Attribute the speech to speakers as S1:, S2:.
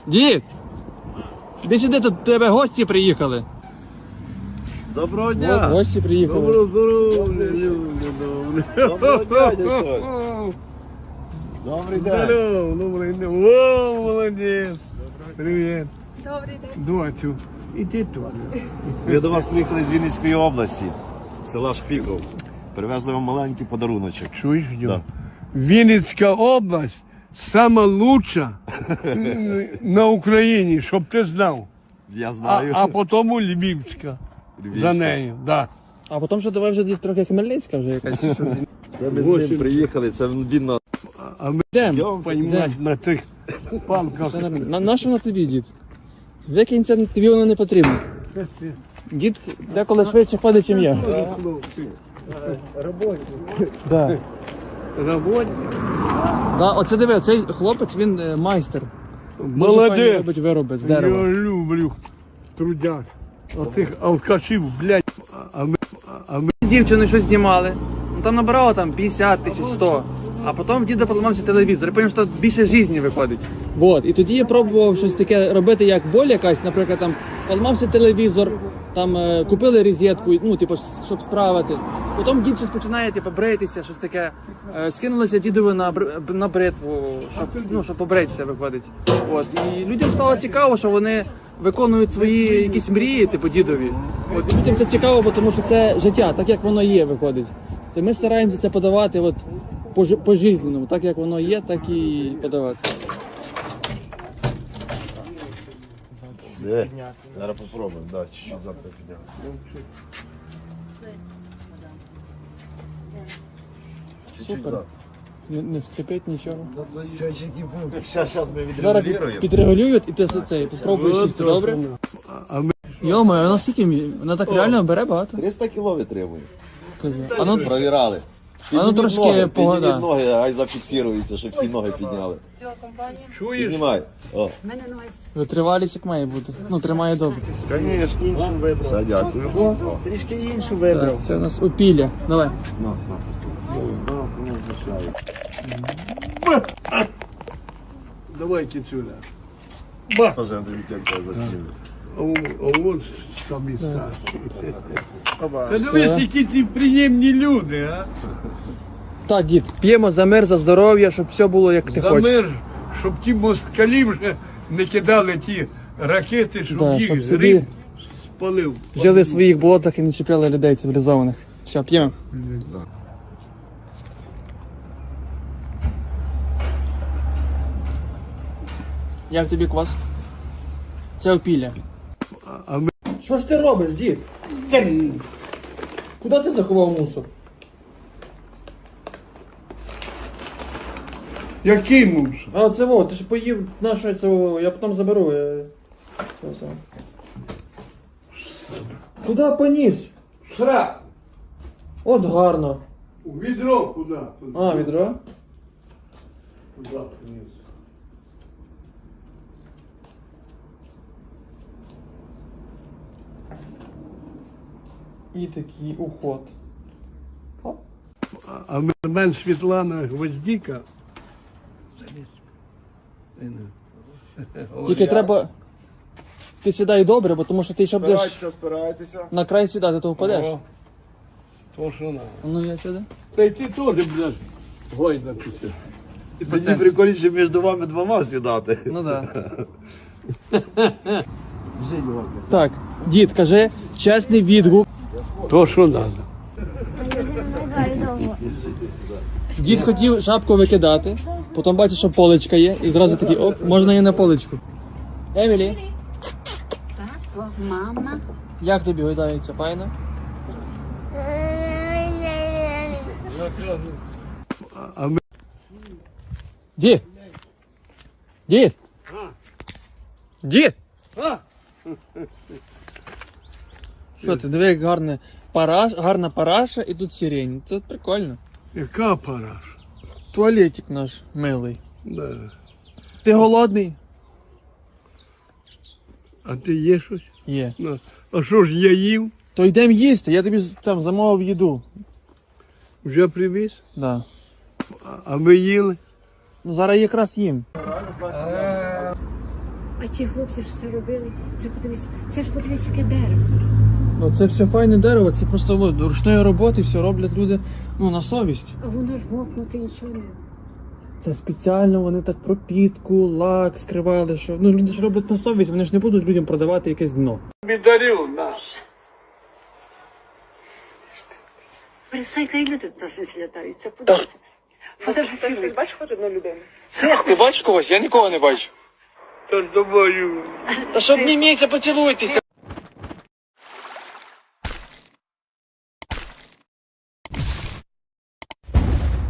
S1: Дід! Іди сюди, тут до тебе гості приїхали.
S2: Доброго дня!
S1: От, гості приїхали.
S2: Доброго здоров'я, люди, добре. Доброго дня, дядько. Добрий день.
S3: Здорово, добрий день. О, молодець. Привіт.
S4: Добрий день.
S3: Доцю, іди тут.
S2: Ми до вас приїхали з Вінницької області, села Шпіков. Привезли вам маленький подаруночок.
S3: Чуєш, Дьо?
S2: Да.
S3: Вінницька область сама лучша на Україні, щоб ти знав.
S2: Я знаю.
S3: А потім Львівська.
S2: Львівська.
S3: За нею, да.
S1: А потім вже давай вже трохи Хмельницька вже якась.
S2: Це ми з ним приїхали, це він на...
S3: А ми,
S1: Йдемо.
S3: понімаєш, на тих палках.
S1: Все нормально. На що на тобі, дід? Викинься, тобі воно не потрібно. Дід деколи швидше ходить, ніж я. Да.
S3: Роботи.
S1: Да, оце диви, цей хлопець, він майстер. Дуже файно
S3: Молодець.
S1: робить вироби з
S3: Я
S1: дерева.
S3: люблю трудяк. Оцих алкашів, блядь. А ми
S1: З дівчиною щось знімали. Ну там набирало там 50 тисяч, 100. А потім в діда поламався телевізор. Я зрозумів, що більше житті виходить. Вот. І тоді я пробував щось таке робити, як боль якась, наприклад, там поламався телевізор, там купили розетку, ну, типу, щоб справити. Потім дід щось починає, типу, бритися, щось таке. Скинулися дідові на бритву, щоб побритися, виходить. От. І людям стало цікаво, що вони виконують свої якісь мрії, типу дідові. От. І людям це цікаво, тому що це життя, так як воно є, виходить. То ми стараємося це подавати от, по-жизненному, так як воно є, так і подавати.
S2: Зараз попробуємо, да, чуть-чуть завтра підемо. Чуть-чуть
S1: Супер.
S2: завтра.
S1: Не скрипить нічого.
S2: Зараз ми
S1: Зараз
S2: відрегулюємо.
S1: підрегулюють і ти це попробуєш сісти, добре?
S3: А ми
S1: Йома, вона скільки? Вона так реально бере багато.
S2: 300 кіло витримує.
S1: Кажи. А ну,
S2: Провірали.
S1: А ну,
S2: Підніміть
S1: трошки
S2: ноги,
S1: погода.
S2: підніміть ноги, ай зафіксирується, щоб всі ноги підняли.
S3: чуєш?
S2: Піднімай. О.
S4: Мене ноги
S1: витривалість як має бути. Ну, тримає добре.
S2: Звісно, іншу вибрав. Все, дякую.
S3: Трішки іншу
S1: Так, це у нас опілля. Давай.
S3: Давай кицюля.
S2: Боже, Андрій, тебе засніму.
S3: А от самі старші. Та дивись, які ці приємні люди, а?
S1: Так, дід, п'ємо за мир, за здоров'я, щоб все було як ти
S3: За
S1: хочеш.
S3: мир, щоб ті москалі вже не кидали ті ракети, щоб
S1: Да,
S3: їх
S1: щоб
S3: зрив
S1: собі
S3: спалив.
S1: жили в своїх болотах і не чіпляли людей цивілізованих. Все, п'ємо. Як тобі квас? Це опілля.
S3: А ми
S1: Що ж ти робиш, дід? Куди ти заховав мусор?
S3: який муж?
S1: А це во, ти ж поїв наше це во, я потім заберу. Це все. Куди поніс?
S3: Сра!
S1: От гарно.
S3: У відро куди?
S1: А, відро?
S3: Куди приніс?
S1: І такий уход.
S3: А мен Світлана Гвоздіка.
S1: Тільки треба. Ти сідай добре, бо тому що ти ще будеш
S2: Спирайтеся.
S1: на край сідати, то впадеш.
S3: О, то що надо.
S1: Ну я сяду.
S3: Та й ти теж будеш гойдатися.
S2: Мені прикольніше між вами двома сідати.
S1: Ну так. Так, дід, кажи чесний відгук.
S3: То що надо.
S1: Дід хотів шапку викидати, потім бачиш, що поличка є, і зразу такий, оп, можна і на поличку. Емілі,
S4: Тато, мама.
S1: як тобі гойдається, файно?
S3: А ми
S1: Дід! Дід! Дід! Що ти, диви, як гарна параша і тут сирень. Це прикольно.
S3: яка пора?
S1: Туалетик наш милий.
S3: Да.
S1: Ти голодний?
S3: А ти є щось?
S1: Є.
S3: Ну, а що ж я їв?
S1: То йдемо їсти, я тобі там замовив їду.
S3: Вже привіз?
S1: Да.
S3: А ми їли?
S1: Ну зараз якраз їм.
S4: А ті хлопці, що це робили, це ж подивись, яке дерево.
S1: Ну це все файне дерево, це просто от, ручної роботи, все роблять люди на совість.
S4: А воно ж мокнути нічого не.
S1: Це спеціально вони так пропітку, лак скривали, що люди ж роблять на совість, вони ж не будуть людям продавати якесь дно.
S3: Бідарю наш.
S4: Присайка і люди тут злітаються, подивіться.
S5: Ти бачиш хоч одну людину?
S1: Ти бачиш когось? Я нікого не бачу.
S3: Та ж думаю.
S1: Та що обніміться, поцілуйтеся.